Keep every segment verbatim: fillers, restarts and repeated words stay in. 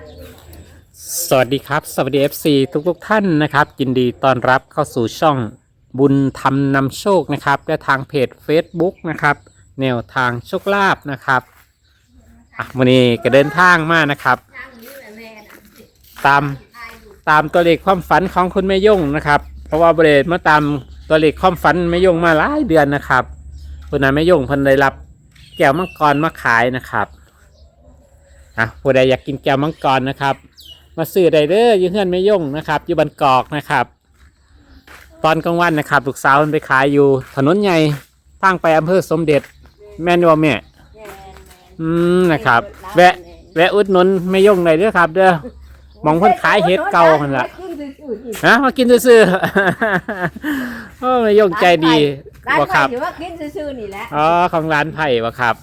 สวัสดีครับสวัสดี เอฟ ซี ทุกทุกท่านนะครับยินดีต้อนรับเข้าสู่ช่องบุญธรรมนำโชคนะครับและทางเพจ Facebook นะครับแนวทางโชคลาภนะครับอ่ะวันนี้ก็เดินทางมานะครับตามตามตัวเลขความฝันของคุณแม่ย่งนะครับเพราะว่าบริเวณมาตามตัวเลขความฝันแม่ย่งมาหลายเดือนนะครับคนนั้นแม่ย่งเพิ่นได้รับแก้วมังกรมาขายนะครับอ่ะผู้ใดอยากกินแก้วมังกรนะครับมาซื้อได้เด้ออยู่เฮือนแม่ย่งนะครับอยู่บันกอกนะครับตอนกลางวันนะครับลูกสาวมันไปขายอยู่ถนนใหญ่ทางไปอำเภอสมเด็จแม่นว่าแม่อืมนะครับแวะแวะอุดหนุนแม่ย่งได้เด้อครับเด้อมองเพิ่นขายเห็ดเก่าหั่นล่ะฮะมากินซื่อๆโอ้แม่ย่งใจดีบ่ครับถือว่ากินซื่อๆนี่แหละอ๋อของร้านไผ่บ่ครับ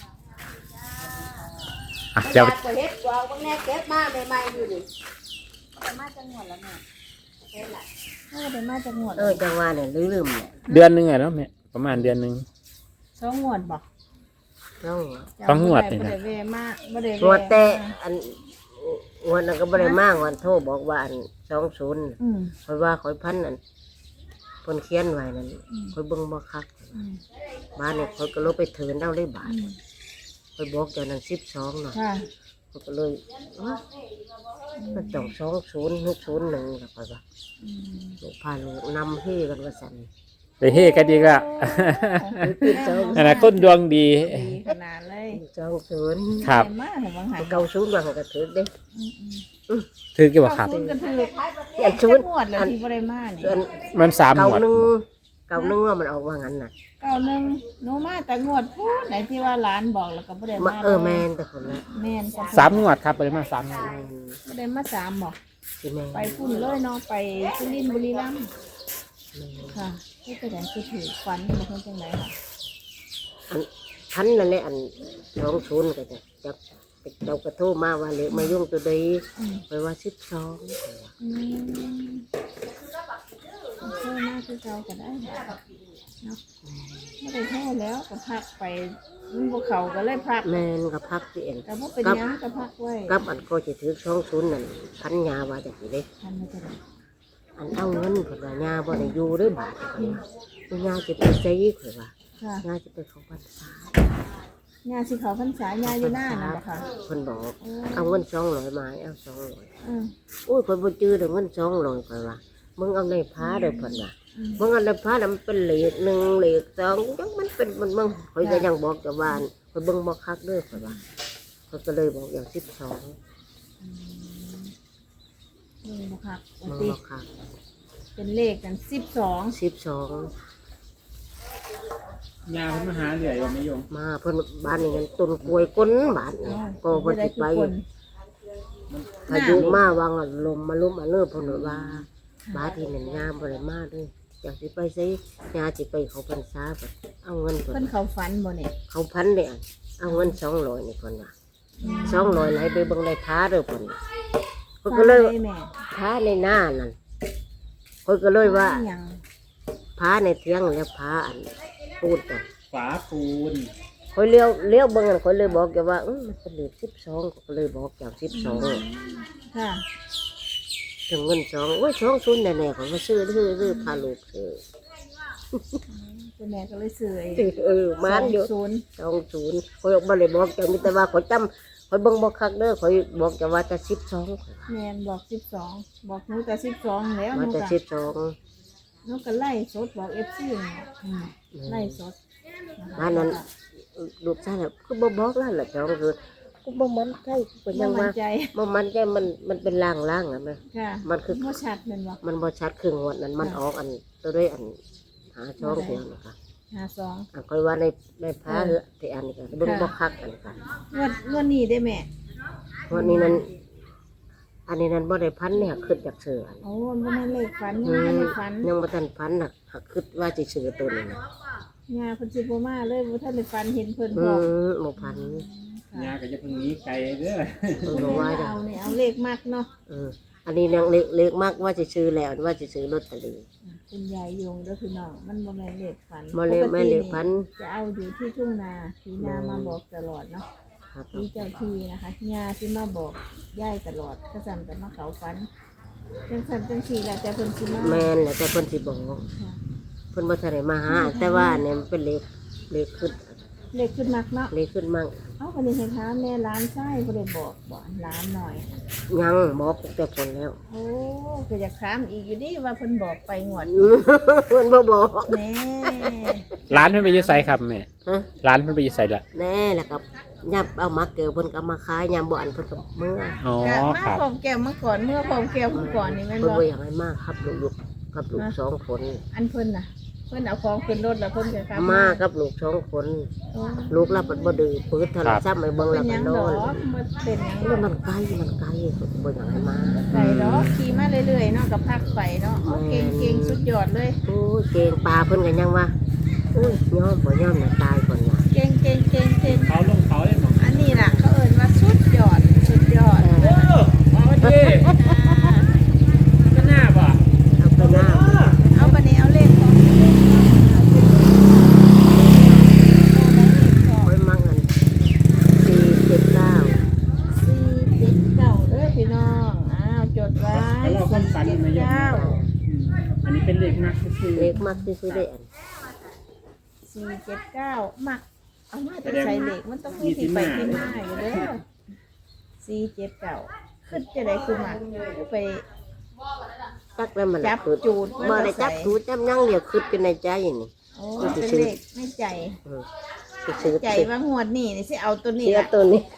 อ่ะเดี๋ยวเฮ็ดกว่าบางแน่เก็บมาใหม่ๆอยู่ดิไปมาจังหวัดแล้วแม่เฮ็ดล่ะเออไปมาจังหวัดเออจังหวัดเนี่ยลืมๆเนี่ยเดือนหนึงอะเนาะแม่ประมาณเดือนหนึงสองงวดบ่สองสองงวดนี่นะบ่ได้เวมาบ่ได้เวงวดแต่อันงวดนั้นก็บ่ได้มากวันโทรบอกว่าอันสองศูนย์อืมคอยว่าคอยพันอันเพิ่นเขียนไว้นั่นคอยเบิ่งบ่คักบ้านเนี่ยคอยก็ลบไปเถินเอาเลยบาทคอยบอกเจ้านั้นสิบสองเนาะค่ะคอยก็เลยมันต้องสองศูนย์หกศูนย์หนึ่งแล้วก็ว่าลูกพาลูกนำเฮกันว่าสั่นไปเฮกันดีก็อันนั้นคนดวงดีดีขนาดเลยสองศูนย์ครับมาเห็นบางหันเก้าศูนย์ว่าก็ถือเด้ถือกี่บ่ครับคุณก็ถืออันศูนย์งวดแล้วที่บ่ได้มานี่ส่วนมันสามหเก้ามวดหนึ่งเก้าหนึ่งว่ามันออกว่างั้นน่ะเก้าหนึ่งหนูมาแต่งวดพูดไหนที่ว่าร้านบอกแล้วก็บ่ได้มามาเออแมนแต่คนละแม่นก็สามงวดครับไปมาสามงวดแมนบ่ได้มาสามบอกสิแมนไปพุ่นเลยเนาะไปสุรินทร์บุรีรัมย์แม่นค่ะที่กระแดงคือถือฟันมันเป็นจังไดค่ะอันพันนั่นแหละอันสองศูนย์ก็จะจับเรากระโทรมาว่าเหลือมายุ่งตัวใดอืมไปว่าสิบสองอืมเพิ่มมากคือเก่าก็ได้ค่ะเนาะไม่ได้แท้แล้วก็พักไปมันบ่เขาก็เลยพักแมนกับพักที่เอ็นแต่ว่าเป็นหยังก็พักไว้กับอันก็จะถือสองศูนย์นั่นพันยาว่าจะกี่เล็กทันไม่จะได้อันเอาเงินผลว่ายาบ่ได้อยู่หรือบาทเลยยาจะไปใช้ข่อยว่าค่ะยาจะไปเขาพรรษาญาสิเขาพรรษาญาอยู่หน้าน่ะบ่ค่ะคนบอกเอาเงินสองร้อยมาเอาสองร้อยอืมโอ้ยคนบ่จื้อเดี๋ยวเงินสองร้อยข่อยว่ามึงเอาในผ้าเด้อเพิ่นว่าอืมบางอันในผ้ามันเป็นเหล็กหนึ่งเหล็กสองยังมันเป็นมันมึงคอยก็ยังบอกกับบ้านคอยเบิ่งบอกคักเด้อคอยว่าคอยก็เลยบอกอย่างสิบสองนี่บ่ค่ะปกมึงติบอกคักเป็นเลขกันสิบสองสิบสองยาเพิ่นมาหาเหนื่อยว่าไม่ยงมาเพิ่นบ้านนี่กันต้นกล้วยก้นบ้านนี่ก็เพิ่นสิไปพายุมาวางลมมาลุ่มมาเลิกเพิ่นว่าบ้านที่นั่นยามบ่ได้มาเด้ออยากสิไปใส่ยาสิไปเขาพรรษาแบบเอาเงินเพิ่เพิ่นนเขาฝันบ่เนี่ยเขาพันเด้อเอาเงินสองร้อยนี่เพิ่นว่าสองร้อยไหลไปเบิ่งในผ้าเด้อเพิ่นเพิ่นก็เลยฝันได้แม่ผ้าในหน้านั่นคนก็เลยว่าหยังผ้าในเทียงแล้วผ้าอันปูนกันฝาปูนคนเลี้ยวเลี้ยวเบิ่งกันคนเลยบอกแกว่าเออมันเป็นเลขสิบสองก็เลยบอกอย่างสิบสองค่ะถึงเงินสองโอ้ยสองศูนย์แน่ๆเขามาซื้อซื้อซื้อพาลูกซื้อเจ้าแม่ก็เลยซื้อไอ้เออมันอยู่ศูนย์สองศูนย์คอยบ่เลยบอกแกมีแต่ว่าคอยจำคอยเบิ่งบอกคักเด้อคอยบอกแกว่าจะสิบสองแม่นบอกสิบสองบอกหนูแต่สิบสองแล้วหมานูจะก็สิบสองหนูก็ไล่สดบอกเอฟซีไล่สดะคะบ้านนั้นลูกชายน่ะคือบ่บอกแล้วล่ะสองคือกูบ่มันใจกูก็ยัยัง งมั่ว่านใจบ่มันใจมันมันเป็นล่างๆอ่ะแม่ค่ะมันคือบ่ชัดแม่นบ่มันบ่ชัดครึ่งวันนั้นมันออกอันตัวด้วยอันหาช่องเดียวนะคะห้าสองอันค่อยว่าในในผ้าที่อันนี้ก็เบิ่งบ่คักอันนี้ค่ะงวดงวดนี้ได้แม่วันนี้นั้นอันนี้นั้นบ่ได้พันเนี่ยคิดจากเสืออันโอ้มันบ่แม่นเลขฝันอืยังบ่มได้ฝันยังบ่ทันพันน่ะหักคิดว่าสิซื้อตัวนี้นะยาเพิ่นสิบ่มาเลยบ่ทันได้ฝันเห็นเพิ่นอืบอกมบ่พันยาก็จะเพิ่งหนี้ไกลเด้อเพิ่นบ่ว่าจ้ะเอาเนี่ยเอาเลขมากเนาะเอออันนี้ยังเล็กเล็กมากว่าสิซื้อแล้วว่าสิซื้อลอตเตอรี่คุณยายยงเด้อพี่น้องมันบ่แม่นเลขฝันบ่เลยแม่นเลขพันจะเอาอยู่ที่ทุ่งนาสีนามาบอกตลอดเนาะคครับที่เจ้าที่นะคะยาที่มาบอกย่ายตลอดกระสันแต่มาเขาฝันจังสันจังสีแหละแต่เพิ่นสิมาแม่นแหละแต่เพิ่นสิบอกค่ะเพิ่นบ่ทันได้มาหาแต่ว่าเนี่ยมันเป็นเลขเลขขึ้นเล็กขึ้นมากเนาะเลขขึ้นมั่งเอ้าคนนี้เห็นท้ามแม่ร้านไส้บ่ได้บอกบอกร้านหน่อยยังบอกแต่ผลแล้วโอ้ก็อยากถามอีกอยู่ดิว่าเพิ่นบอกไปงวดเพิ่นบ่บอกแน่ร้านเพิ่นไปอยืดไซครับแม่ฮะร้านเพิ่นไปอยืดไซละแน่แล้วก็ยับเอามาเกลือเพิ่นก็เอามาขายยามบ่อันเพิ่นก็เมื่ออ๋อกะมาครับพร้อมแก้วมาก่อนเมื่อพร้อมแก้วมาก่อนนี่แม่นเพิ่นบ่บ่อยากให้มากครับลูกๆกับลูกสองคนอันเพิ่นน่ะ เพิ่นเอาของขึ้นรถแล้วเพิ่นก็กลับมากับลูกสองคนโอ้ลูกเราเพิ่นบ่ดื้อปืดโทรศัพท์ไปเบิ่งเป็แล้วนหก็ยังนดออกนบ่เป็นหยังแล้วมันไกลมันไกลเพิ่นบ่อยากให้มาไก่ดอกขี่มาเรื่อยๆเนาะกับพักไปเนาะโอ้เก่งเก่งสุดยอดเลยโอ้ยเก่งปลาเพิ่นก็ยังว่าอุ้ยยอมบ่ยอมน่ะตายก่อนว่าเก่งเก่งเก่งเก่งเขาลงเขาเลยบอกอันนี้ล่ะเขาเอ่ยว่าสุดยอดสุดยอดเออเอาดีอ่าก็น่าบ่เอาไปหน้าเอาบันนี้เอาเลขของค่อยมั่งอันสี่เจ็ดเก้าสี่เจ็ดเก้าเด้อพี่น้องอ้าวจดไว้แล้วเราความฝันสี่มาเจ็ดเยอะเก้าอืมอันนี้เป็นเลขมากคือเล็กมากที่สุดได้อันสี่เจ็ดเก้ามักเอามาจะใส่เลขมันต้องมีที่ไปที่มาอยู่เด้อสี่เจ็ดเก้าขึ้นจะได้คือมักไปจักแล้วมันจับคือจูดบ่ได้จับจูดจับยังเดียวคือเป็นในใจนี่โอ้เป็นเลขในใจเออสิซื้อใจว่างวดนี้นี่สิเอาตัวนี้เสียล่ะตัวนี้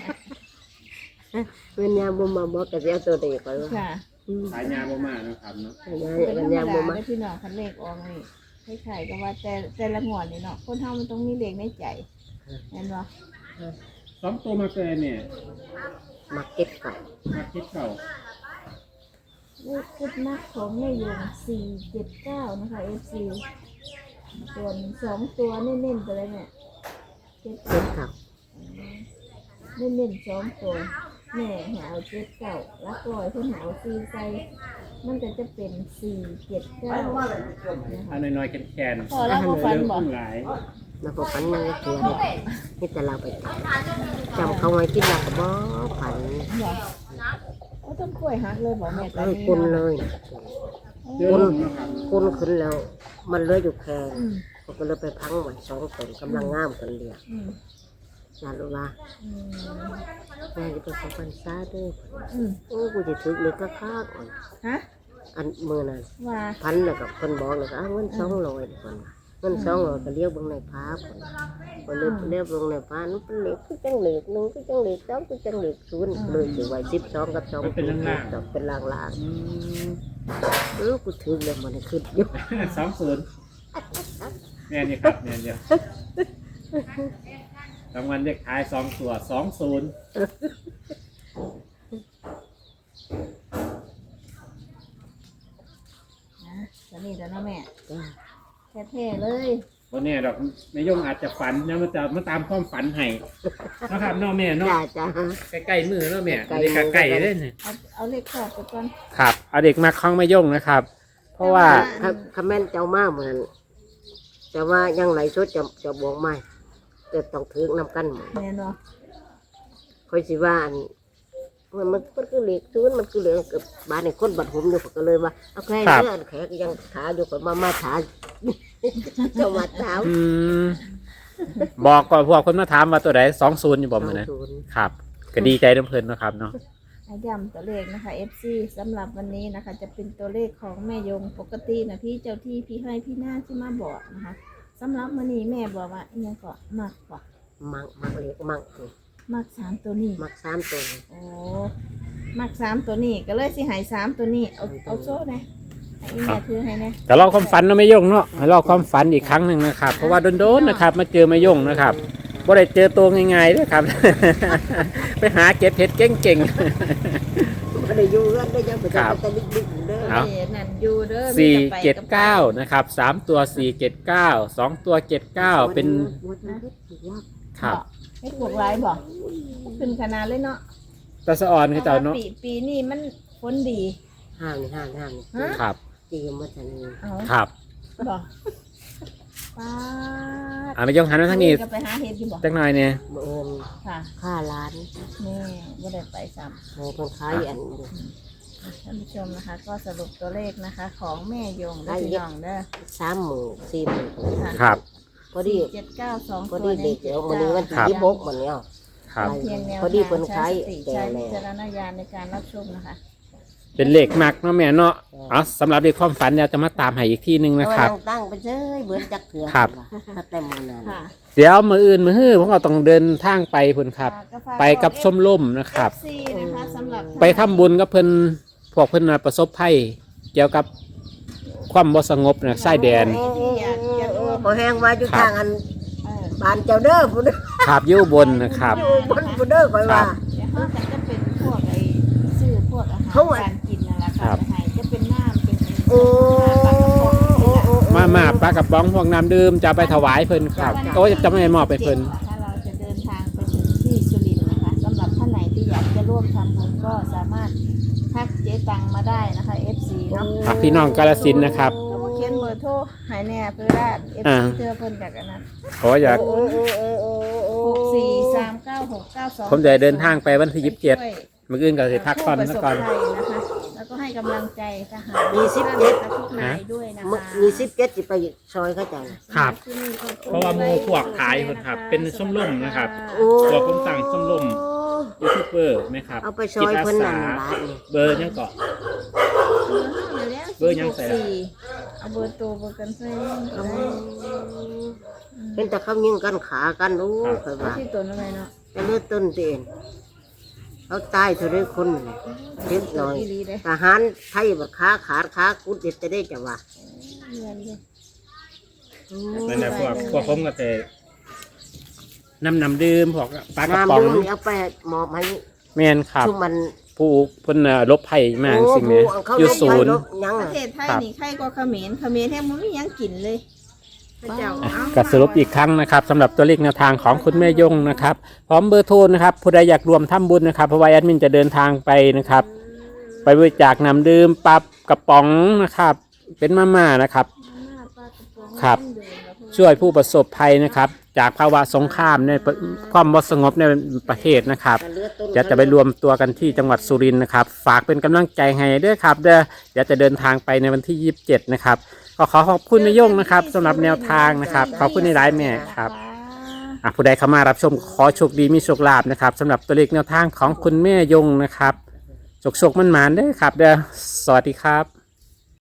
เพิ่นยามบ่มาบอกก็สิเอาตัวนี้ก่อนว่าค่ะอืมสายยาบ่มานะครับเนาะยายเป็นธรเพิ่นรมยามดาบ่มาได้พี่น้องคันเลขออกนี่คล้ายๆกับว่าแต่แต่ละงวดนี่เนาะคนเฮามันต้องมีเลขในใจเห็นบ่สองตัวมาเกินเนี่ยมาเก็บก่อนมาคิดเก่าเลขชุดนักของแม่ยงสี่เจ็ดเก้านะคะ เอฟ ซี ส่วนสองตัวเน้นๆไปเลยเนี่ยเจ็ดเก็บก่อนเน้นๆสองตัวแม่หาเอาเจ็ดเก้าแล้วก็เพิ่นหาเอาสี่ใส่มันก็จะเป็นสี่เจ็ดเก้าเอาน้อยๆแคนๆพอแล้วก็ฟันบอกหลายแล้วก็ฝันยังเถื่อเลยนี่แต่เราไปจำเขาไว้กินแล้วก็บ่ฝันบอกเอาต้นกล้วยหักเลยบอกแม่ตอนเอ้ยนี้คนเลยเดือนนะครับคนขึ้นแล้ว มันเหลืออยู่แค่อืมเขาก็เลยไปพังไว้สองคนกำลังงามกันเรียกอืมยาลูว่าอืมแม่จะไปขอพันซาเด้วยอืมโอ้กูจะถึกเลยก็ค้าก่อนฮะอันมือนั้นว่าพันแล้วกับคนบอกเลยก็เอาเงินสองร้อยก่อนเงินสองร้อยก็เลี้ยวเบงในพาคนคนเลี้ยวเลี้ยวเบงในพานั่นเป็นเหล็กคือจังเหล็กหนึ่งคือจังเหล็กสองคือจังเหล็กศูนย์เลยถือไว้สิบสองกับสองเป็นลางลางอืมๆเออกูถึกเลยมันขึ้นอยู่สองศูนย์แม่นี่ครับแม่เดียวรางวัลเลขท้ายสองตัวสองศูนย์นะตอนนี้แต่เนาะแม่จ้าแท้ๆเลยวันนี้ดอกแม่ยงอาจจะฝันนะมันจะมาตามความฝันให้นะครับเน้องแม่เนาะจ้าจ้าใกล้ๆมือเนาะแม่ใกล้เด็กมือใกล้ๆเลยเนี่ยเอาเอาเลขขอบไปก่อนครับเอาเด็กมาคล้องแม่ยงนะครับ เพราะว่าถ้าคำแม่นเจ้ามากเหมือนแต่ว่ายังไหลชดจะจะบอกไม่จะต้องถึกนำกันหมดแม่เนาะคอยสิว่าอันมันมันมันคือเหล็กศูนย์มันคือเหล็กกับบ้านในคนบัดหุมอยู่ผมก็เลยว่าเอาแค่ครับเลือดแขกยังขาอยู่กับมามาถา เจ้ามาถามอืมบอกก่อนพวกคนมาถามว่าตัวไหนสองศูนย์อยู่บ่มือนะศูนย์ครับก็ดีใจน้ำเพลินเนาะครับเนาะให้ย้ำตัวเลขนะคะ เอฟ ซี สำหรับวันนี้นะคะ จะเป็นตัวเลขของแม่ยงปกตินะพี่เจ้าที่พี่ให้พี่หน้าที่มาบอกนะคะสำหรับวันนี้แม่บอกว่าอิหยังก็มักกว่ามักมักเหล็กมักมักสามตัวนี้มักสามตัวนี่โอ้มักสามตัวนี้ก็เลยสิใหายสามตัวนี้เอาเอาโซ่นะให้อีแม่ถือให้นะแต่เราความฝันเนาะแม่ยงเนาะให้เราความฝันอีกครั้งหนึ่งนะครับ เพราะว่าโดนๆนะครับมาเจอแม่ยงนะครับบ่ได้เจอตัวง่ายๆด้วยครับ ไปหาเก็บเห็ดเก่งไม่ได้อยู่กันได้ยังไปครับแต่ลึกๆเด้อเอาเอ้ยนั่นอยู่เด้อๆสี่มีแต่ไปเจ็ดบไปเก้านะครับสามตัวสี่เจ็ดเก้าสองตัวเจ็ดเก้าเป็นวัดนั้นเฮ็ดถูกว่าครับให้บวกหลายบอกขึ้นขนาดเลยเนาะตาสะออนคือเจ้าเนาะปีปีนี้มันฝนดีห้างนี่ห้างห้างนี่ฮะครับจีมมาทันนี้เอาครับบอกป้าดอ่าไม่ยงหันมาทางนี้ก็ไปหาเห็ดอยู่บ่จักหน่อยเนี่ยเอิญค่ะค่าร้านแม่บ่ได้ไปซ้โอ้คนขายอันนี้ำท่านผู้ชมนะคะ ก็สรุปตัวเลขนะคะ ของแม่ยงและพี่น้องเด้อสามหมื่นสี่หมื่นครับพอดีเจ็ดเก้าสองพอตัวดีเด็กเดี๋ยววันนี้วันที่ครับยี่สิบหกวันเนี้ยครับเพียงแนวพอดีทางเพิ่นใช้ขายสติแก่ใช้แล้วิวจารณญาณในการรับชมนะคะเป็นเลขมักเนาะแม่เนาะอ๋อสำหรับเลขความฝันเราจะมาตามให้อีกที่หนึ่งนะครับเอาตั้งไปเจ้ยเบิร์นจักเถื่อครับถ้าแต่มือนั้นค่ะเดี๋ยวมืออื่นมือฮื้อผมก็ต้องเดินทางไปพุ่นครับก็ฝากไปกับชมรมนะครับเอฟซีนะคะสำหรับไปทำบุญกับเพิ่นพวกเพิ่นน่ะประสบภัยเกี่ยวกับความบ่สงบนะชายแดนที่อยากจะร่วมพอแห้งว่าอยู่ครับทางอันเออบ้านเจ้าเด้อผู้เด้อขาบอยู่บนนะครับอยู่บนผู้เด้อคอยว่าเดี๋ยวเขาจะเป็นพวกไอ้ซื้อพวกอาหารเขาอะการกินนั่นแหละครัค่ะบจะให้จะเป็นน้ำเป็นโอ้ปลากระป๋องนี่แหละมามาปลากระป๋องพวกน้ำดื่มจะเอาไปถวายเพิ่นครับก็ว่าจะไม่มอบไปเพิ่นถ้าเราจะเดินทางไปถึงที่สุรินทร์นะคะสำหรับท่านไหนที่อยากจะร่วมทำบุญก็สามารถทักเจ๊ตังมาได้นะคะ เอฟ ซี เนาะครับพี่น้องกาฬสินธุ์นะครับเขาก็เขียนเบอร์โทรหายแน่เพื่อได้ เอฟอ่าซี เธอเพิ่นจากอันนั้นขออยากโอ้โอ้โอ้โอ้โอ้หกสี่สามเก้าหกเก้าสองผมจะเดินทางไปวันที่ยี่สิบเจ็ดมื้ออื่นก็สิพักผ่อนซะก่อนผู้ประสบภัยนะคะแล้วก็ให้กำลังใจทหารมีสิบเจ็ดและทุกนายด้วยนะมึคะมีสิบเจ็ดสิไปซอยเข้าใจครับ เพราะว่าหมู่พวกขายเพิ่นครับเป็นชมรมนะครับโอ้ตัวผมสั่งชมรม ยูทูบเบอร์ไหมครับเอาไปซอยเพิ่นนั่นบาทนี่เบอร์ยังเกาะ เบอร์ยังใส่ละเอาเบอร์ตัวเบอร์กันใส่เอาเป็นแต่เขายิงกันขากันโอ้คอยเอาว่าที่ตัวนั่นไงเนาะแต่เลือดต้นเตียนเขาตายเท่าไรคนเล็กน้อยอีหลีเด้ทหารไทยบักขาขาดขากุดเด็ดจะได้จะว่าเรียนเด้นั่นแหละพวกพวกผมก็จะน้ำน้ำดื่มพวกปลากระป๋น้ำองดื่มนี่เอาไปมอบให้แม่นครับชุมมันผู้เพิ่นน่ะลบภัยมาสิ่งนี้โเขาอยู่ลบศูนย์ไปลบยังประอะเทศไทยนี่ใครก็เขมรเขมรแทบมันไม่ยังกินเลยพระเจ้าก็สรุปอีกครั้งนะครับสำหรับตัวเลขแนวทางของคุณแม่ยงนะครับพร้อมเบอร์โทรนะครับผู้ใดอยากรวมทำบุญนะครับเพราะว่าแอดมินจะเดินทางไปนะครับ ไปบริจาคน้ำดื่มปรับกระป๋องนะครับ เป็นมาม่านะครับ ครับ ช่วยผู้ประสบภัยนะครับ จากภาวะสงครามในประความไม่สงบในประเทศนะครับแต่เลือดต้นเดี๋ยวจะไปรวมตัวกันที่จังหวัดสุรินทร์นะครับ ฝากเป็นกำลังใจให้ด้วยครับเด้อเดี๋ยวจะเดินทางไปในวันที่ยี่สิบเจ็ดนะครับก็ขอขอบคุณแม่ยงนะครับสำหรับแนวทางนะครับขอบคุณในร้ายแม่ครับอ่ะผู้ใดเข้ามารับชมขอโชคดีมีโชคลาภนะครับสำหรับตัวเลขแนวทางของคุณแม่ยงนะครับโชคโชคมันหมานๆเด้อครับเด้อสวัสดีครับ